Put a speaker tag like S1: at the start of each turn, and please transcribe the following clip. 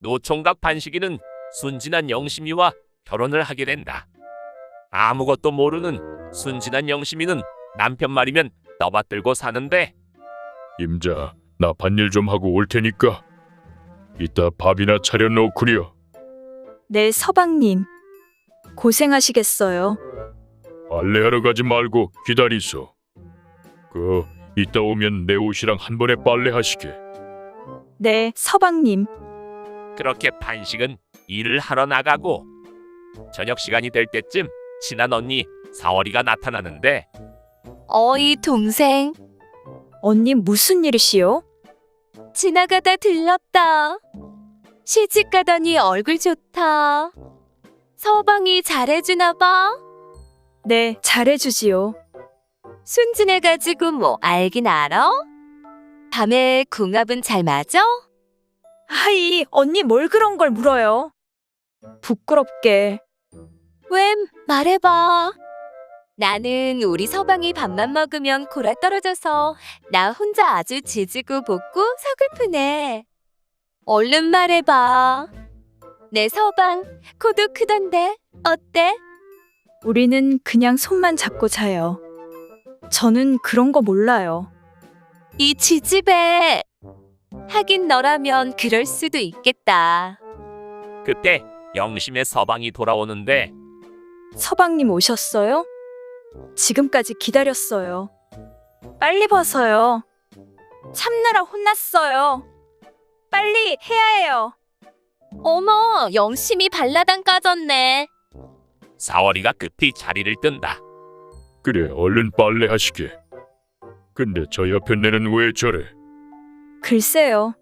S1: 노총각 반식이는 순진한 영심이와 결혼을 하게 된다. 아무것도 모르는 순진한 영심이는 남편 말이면 떠받들고 사는데
S2: 임자, 나 밭일 좀 하고 올 테니까 이따 밥이나 차려 놓구려.
S3: 네, 서방님. 고생하시겠어요.
S2: 빨래하러 가지 말고 기다리소. 이따 오면 내 옷이랑 한 번에 빨래하시게.
S3: 네, 서방님.
S1: 그렇게 반식은 일을 하러 나가고 저녁 시간이 될 때쯤 친한 언니 사월이가 나타나는데
S4: 어이 동생,
S3: 언니 무슨 일이시요?
S4: 지나가다 들렀다. 시집 가더니 얼굴 좋다. 서방이 잘해주나 봐.
S3: 네, 잘해주지요.
S4: 순진해가지고 뭐 알긴 알아? 밤에 궁합은 잘 맞아?
S3: 하이, 언니 뭘 그런 걸 물어요? 부끄럽게.
S4: 왜 말해봐. 나는 우리 서방이 밥만 먹으면 골아 떨어져서 나 혼자 아주 지지고 볶고 서글프네. 얼른 말해봐. 내 서방 코도 크던데 어때?
S3: 우리는 그냥 손만 잡고 자요. 저는 그런 거 몰라요.
S4: 이 지집애. 하긴 너라면 그럴 수도 있겠다.
S1: 그때 영심의 서방이 돌아오는데
S3: 서방님 오셨어요? 지금까지 기다렸어요. 빨리 벗어요. 참느라 혼났어요. 빨리 해야 해요.
S4: 어머, 영심이 발라당 까졌네.
S1: 사월이가 급히 자리를 뜬다.
S2: 그래, 얼른 빨래하시게. 근데 저 옆에 내는 왜 저래?
S3: 글쎄요.